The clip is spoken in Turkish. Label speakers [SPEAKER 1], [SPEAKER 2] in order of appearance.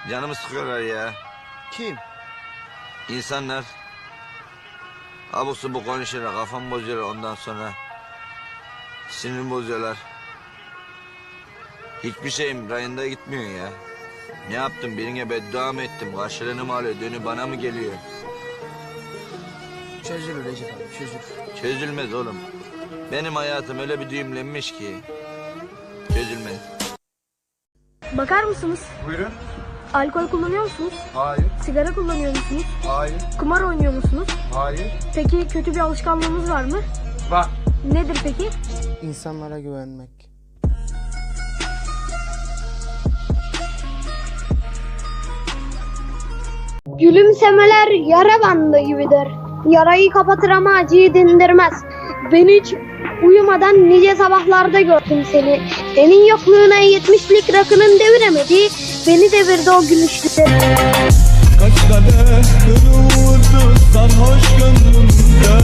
[SPEAKER 1] Canımı sıkıyorlar ya.
[SPEAKER 2] Kim?
[SPEAKER 1] İnsanlar. Abuk subuk konuşuyorlar, kafamı bozuyorlar ondan sonra. Sinirimi bozuyorlar. Hiçbir şeyim rayında gitmiyor ya. Ne yaptım? Birine beddua mı ettim? Karşılığını mı alıyor? Dönü bana mı geliyor?
[SPEAKER 2] Çözülür Recep abi, çözülür.
[SPEAKER 1] Çözülmez oğlum. Benim hayatım öyle bir düğümlenmiş ki. Çözülmez.
[SPEAKER 3] Bakar mısınız?
[SPEAKER 4] Buyurun.
[SPEAKER 3] Alkol kullanıyor musunuz?
[SPEAKER 4] Hayır.
[SPEAKER 3] Sigara kullanıyor musunuz?
[SPEAKER 4] Hayır.
[SPEAKER 3] Kumar oynuyor musunuz?
[SPEAKER 4] Hayır.
[SPEAKER 3] Peki kötü bir alışkanlığınız var mı?
[SPEAKER 4] Var.
[SPEAKER 3] Nedir peki?
[SPEAKER 2] İnsanlara güvenmek.
[SPEAKER 5] Gülümsemeler yara bandı gibidir. Yarayı kapatır ama acıyı dindirmez. Ben hiç uyumadan nice sabahlarda gördüm seni. Senin yokluğuna 70'lik rakının deviremedi. Beni devirdi o gülüşleri.
[SPEAKER 6] Kaç kadeh vurdu sarhoş gönlümde.